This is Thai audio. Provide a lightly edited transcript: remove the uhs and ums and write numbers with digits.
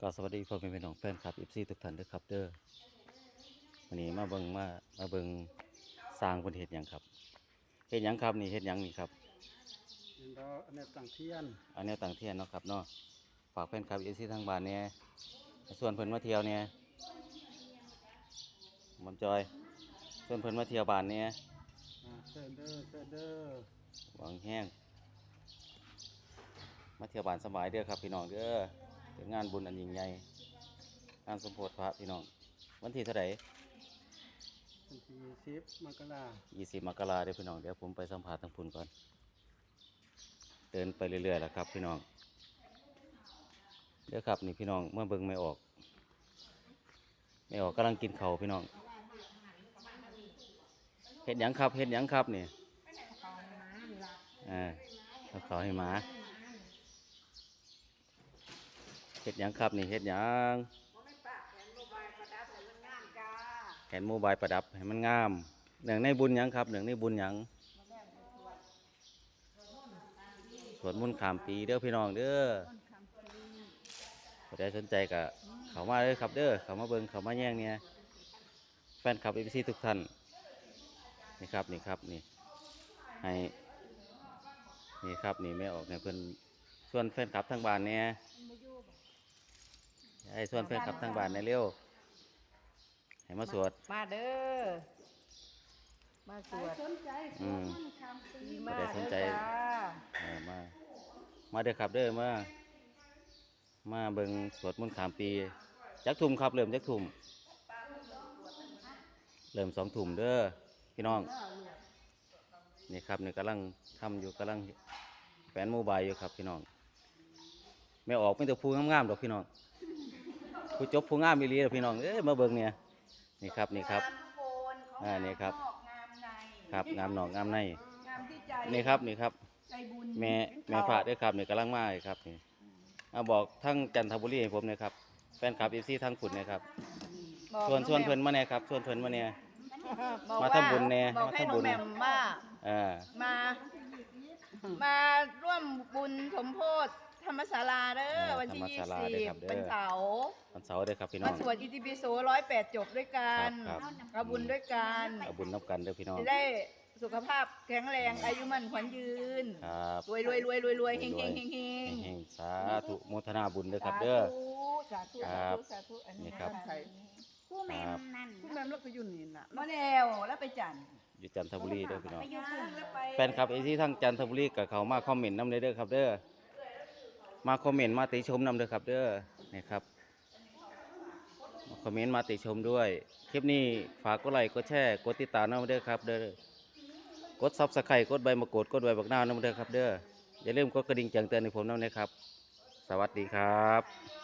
ก็สวัสดีพ่อแม่พี่น้องแฟนคลับFCทุกท่านด้วยครับเด้อวันนี้มาเบิ่งสร้างบนเฮ็ดหยังครับเฮ็ดหยังครับนี่เฮ็ดหยังนี่ครับเห็นเราอันนี้ต่างเทียนอันนี้ต่างเทียนเนาะครับเนาะฝากแฟนคลับ FC ทางบ้านเนี่ยส่วนเพิ่นมาเที่ยวเนี่ยมอมจอยส่วนเพิ่นมาเที่ยวบ้านเนี่ยเชิญเด้อหวังแห้งมาเที่ยวบ้านสบายเด้อครับพี่น้องเด้อเป็นงานบุญอันยิ่งใหญ่งานสมโภชพระพี่น้องวันที่เท่าไหร่วันที่10 มกราคม 20 มกราคมเด้อพี่น้องเดี๋ยวผมไปสัมภาษณ์ทางพุ่นก่อนเดินไปเรื่อยๆแล้วครับพี่น้องเด้อครับนี่พี่น้องเมื่อเบิ่งไม่ออกกำลังกินข้าวพี่น้องเฮ็ดหยังครับนี่เอาข้าวให้หมาเฮ็ดหยังครับนี่เฮ็ดหยังแขนโมบายประดับให้มันงามเนื่องในบุญหยังครับเนื่องในบุญหยังสวดมนต์ข้ามปีเด้อพี่น้องเด้อใครสนใจก็เข้ามาเลยครับเด้อเข้ามาเบิ่งเข้ามาแย่งเนี่ยแฟนคลับ FC ทุกท่านนี่ครับนี่ให้นี่ครับนี่ไม่ออกเนี่ยเพิ่นส่วนแฟนคลับทางบ้านเนี่ยให้ส่วนแฟนคลับทางบ้านในเร็วให้มาสวดมาเด้อมาสวดไม่ได้สนใจมาเด้อครับเด้อมาเบิ่งสวดมนต์ข้ามปีจักทุ่มครับเริ่มจักทุ่มเริ่ม2 ทุ่มเด้อพี่น้องนี่ครับนี่กำลังทำอยู่กำลังแฝนโมบายอยู่ครับพี่น้องไม่ออกไม่แต่ผู้งามๆดอกพี่น้องผู้จบผู้งามอีหลีดอกพี่น้องมาเบิ่งเนี่ยนี่ครับนี่ครับครับงามหนองงามในนี่ครับแม่พระด้วยครับนี่กำลังมาครับนี่บอกทั้งจันทบุรีให้ผมนะครับแฟนคลับFCทั้งขุนนะครับชวนเพิ่นมาเนี่ยครับชวนเพิ่นมาเนี่ยมาทำบุญเนี่ยมาทำบุญมาร่วมบุญสมโภชธรรมศาลาเด้อวันที่20เป็นเสาร์เด้อครับพี่น้องมาสวดอิติปิโส108 จบด้วยกันเอาบุญด้วยกันเอาบุญนับกันเด้อพี่น้องจะได้สุขภาพแข็งแรงอายุมั่นขวัญยืนรวยเฮงสาธุโมทนาบุญเด้อครับเด้อสาธุนี่ครับผู้แม่นั่นผู้แม่ลูกไปอยู่นี่น่ะมาแล้วไปจันอยู่จันทบุรีเด้อพี่น้องแฟนคลับที่ทั้งจันทบุรีกับเขามาคอมเมนต์นำเด้อครับเด้อมาคอมเมนต์มาติชมนำเด้อครับเด้อนี่ครับมาคอมเมนต์มาติชมด้วยคลิปนี้ฝากกดไลค์กดแชร์กดติดตามนำเด้อครับเด้อกดซับสไครต์กดใบมะกรูดกดใบบักนาวนำเด้อครับเด้ออย่าลืมกดกระดิ่งแจ้งเตือนให้ผมนำนะครับสวัสดีครับ